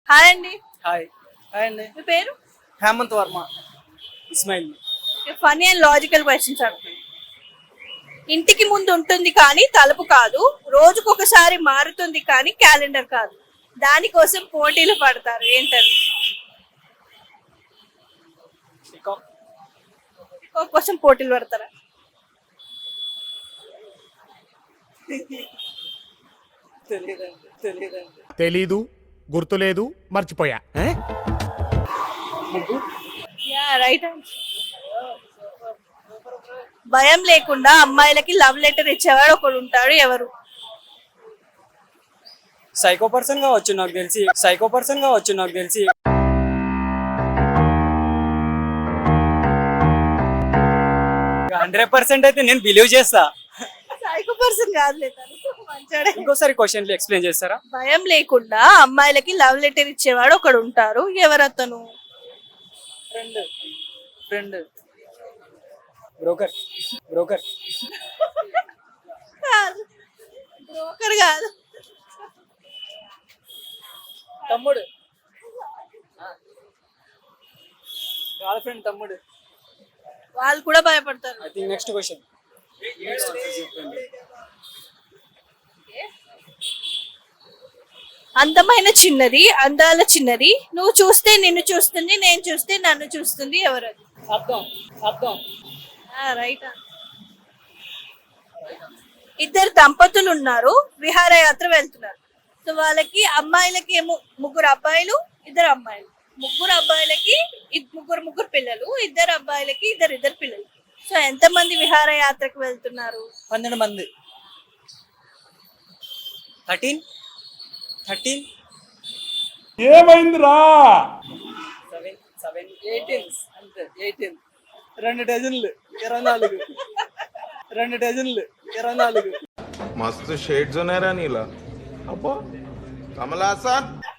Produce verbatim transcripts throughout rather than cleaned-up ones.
Hi అండి. Hi hi అండి. మీ పేరు? Hemanth Varma. Ismail. Funny and logical questions అడుగుతాను. ఇంటికి ముందు ఉంటుంది కానీ తలుపు కాదు, రోజుకొకసారి మారుతుంది కానీ క్యాలెండర్ కాదు, దానికోసం పోటీలు పడతారు, ఏంటది? పీకాక్. ఇంకో కోసం పోటీలు పడతారా? తెలియదండి తెలియదండి. తెలీదు, గుర్తులేదు, మర్చిపోయా. Yeah right answer. భయం లేకుండా అమ్మాయిలకి లవ్ లెటర్ ఇచ్చేవాడు ఒకడు ఉంటాడు, ఎవరు? సైకో పర్సన్ కావచ్చు నాకు తెలిసి సైకో పర్సన్ కావచ్చు నాకు తెలిసి హండ్రెడ్ పర్సెంట్ అయితే నేను బిలీవ్ చేస్తా. సైకో పర్సన్ కాదులే తను, మంచోడే. ఇంకోసారి క్వశ్చన్లు ఎక్స్ప్లెయిన్ చేస్తారా? భయం లేకుండా అమ్మాయిలకి లవ్ లెటర్ ఇచ్చేవాడు ఒకడు ఉంటారు, ఎవరు అతను? ఫ్రెండ్ ఫ్రెండ్ బ్రోకర్ బ్రోకర్ కాదు, బ్రోకర్ కాదు. తమ్ముడు గర్ల్ ఫ్రెండ్ తమ్ముడు. వాళ్ళు కూడా భయపడతారు. I think next question. అందమైన చిన్నది, అందాల చిన్నది, నువ్వు చూస్తే నిన్ను చూస్తుంది, నేను చూస్తే నన్ను చూస్తుంది, ఎవరది? అర్థం అర్థం రైట్. ఇద్దరు దంపతులు ఉన్నారు, విహారయాత్ర వెళ్తున్నారు. సో వాళ్ళకి అమ్మాయిలకి ఏమో ముగ్గురు అబ్బాయిలు, ఇద్దరు అమ్మాయిలు. ముగ్గురు అబ్బాయిలకి ఇద్- ముగ్గురు ముగ్గురు పిల్లలు, ఇద్దరు అబ్బాయిలకి ఇద్దరు ఇద్దరు పిల్లలు. సో ఎంత మంది విహారయాత్రకు వెళ్తున్నారు? పన్నెండు మంది. థర్టీన్ థర్టీన్ ఏమైందిరా? సెవెన్ సెవెన్ ఎయిటీన్ అంతే. ఎయిటీన్. రెండు డజన్లు ఇరవై నాలుగు. రెండు డజన్లు ఇరవై నాలుగు. मस्त शेड जो नाही राणीला अप्पा कमला असा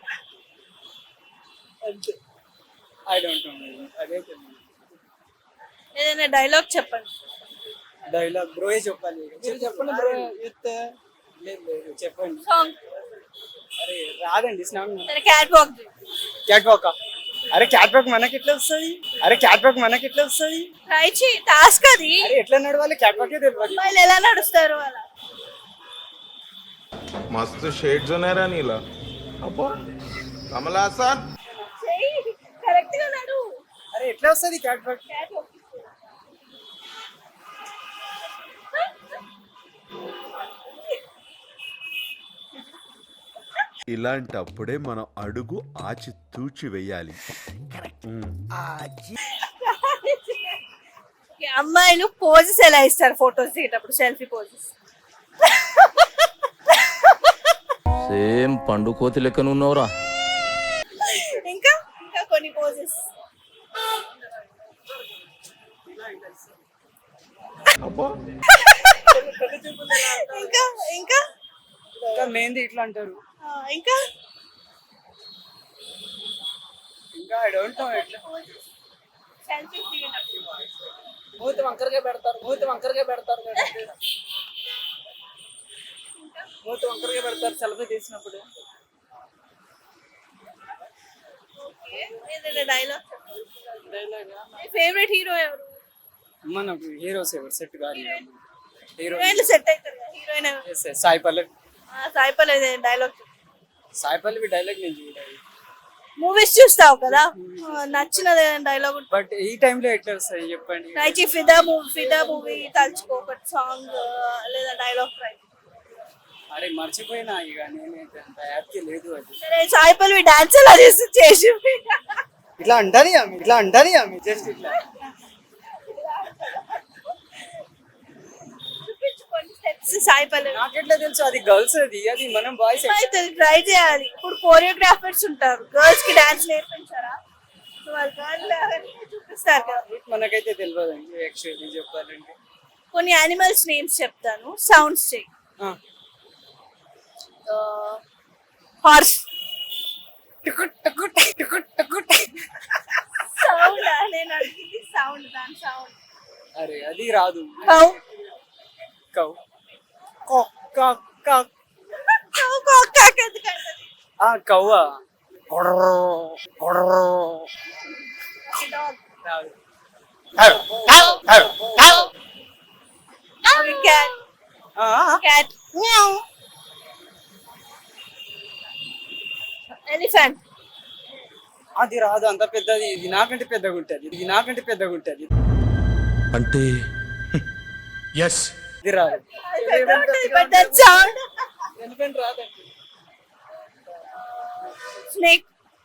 అంతే. I don't know. అదే ఏదైనా డైలాగ్ చెప్పండి. డైలాగ్ బ్రోయే చెప్పాలి. మీరు చెప్పండి బ్రో. చెప్తే లేదు లేదు చెప్పండి. సాంగ్. అరే రాదండి స్నానం. సరే క్యాట్ వాక్. Catwalk. అరే క్యాట్ వాక్ మనకి ఎట్లా వస్తుంది? అరే క్యాట్ వాక్ మనకి ఎట్లా వస్తుంది? ట్రై చేయి, టాస్క్ అది. అరే ఎట్లా నడవాలి? క్యాట్ వాకే తెలియదు. అమ్మాయిలు ఎలా నడుస్తారు అలా? मस्त शेड जो नाही राणीला अप्पा कमला असा చెయ్యి, కరెక్ట్ గా నడు. అరే ఎట్లా వస్తుంది క్యాట్ వాక్? Cat walk. ఇలాంటప్పుడే మనం అడుగు ఆచి తూచి వెయ్యాలి. అమ్మాయిలు పోజెస్ ఎలా ఇస్తారు ఫోటోస్ దిగేటప్పుడు? Selfie poses. సేమ్ పండు కోతి లెక్కన ఉన్నావురా. ఇంకా ఇంకా కొన్ని పోజెస్. अप्पा ఇంకా ఇంకా ఇంకా మెయిన్ది ఇట్లా అంటారు. ఆ, ఇంకా ఇంకా ఐ డోంట్ నో ఎట్లా. సెల్ఫీ దిగేటప్పుడు. మూతి వంకరగా పెడతారు. మూతి వంకరగా పెడతారు కదా. మూతి వంకరగా పెడతారు సెల్ఫీ తీసినప్పుడు. ఏదైనా డైలాగ్. డైలాగ్ మీ ఫేవరెట్ హీరో ఎవరు? మనకు హీరోస్ ఎవరు సెట్ కాదు. హీరో హీరోయిన్లు సెట్ అవుతారు కదా, హీరోయిన్ ఎవరు? Yes yes Sai Pallavi. Sai Pallavi dialogue. Sai Pallavi dialogue నేను చూడాలి. మూవీస్ చూస్తావు కదా, ఆ, నచ్చిన డైలాగ్. బట్ ఈ టైంలో ఎట్లా వస్తాయి చెప్పండి. ట్రై చేయి. ఫిదా మూవీ ఫిదా మూవీ తలుచుకో, ఒకటి సాంగ్ లేదా డైలాగ్ ట్రై. అరే మర్చిపోయినా ఇక నేనైతే అంత యాప్కి లేదు అది. సరే సాయి పల్లవి డాన్స్ ఎలా చేసి చేసి ఇట్లా అంటది ఆమె ఇట్లా అంటది ఆమె జస్ట్ ఇట్లా. చూపించుకోండి స్టెప్స్ సాయి పల్లవి. నాకెట్లా తెలుసు? అది గర్ల్స్ అది అది మనం బాయ్స్. ట్రై చేయాలి. ఇప్పుడు కోరియోగ్రాఫర్స్ ఉంటారు, గర్ల్స్ కి డాన్స్ నేర్పించారా? సో వాళ్ళు girl చూపిస్తారు కదా. మనకైతే తెలియదు అండి యాక్చువల్లీ చెప్పాలంటే. కొన్ని యానిమల్స్ నేమ్స్ చెప్తాను, సౌండ్స్ చేయి. ఆ. హార్స్. టుకుట్ టుకుట్ టుకుట్ టుకుట్. సౌండ్ నేను అడిగింది సౌండ్, దాని సౌండ్. అరే అది రాదు. కౌ. కౌ కౌ కౌ కౌ కౌ కౌ కాక ఎందుకంటది? ఆ కవ్వ Dog. రాదు. Okay, cat. ఆ, Cat. Elephant. అది రాదు, అంత పెద్దది. ఇది నాకంటే పెద్దగా ఉంటుంది, ఇది నాకంటే పెద్దగా ఉంటుంది. అంటే ఎస్ ఇది రాదు. But that sound. ఎలిఫెంట్ రాదండి. Snake.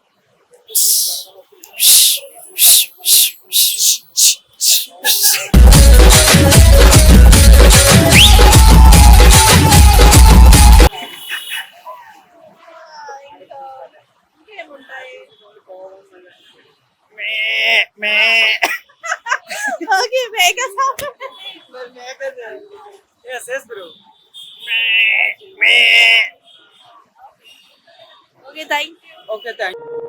Okay, make a sound. Yes, yes, bro. Okay, thank you. Okay, thank you.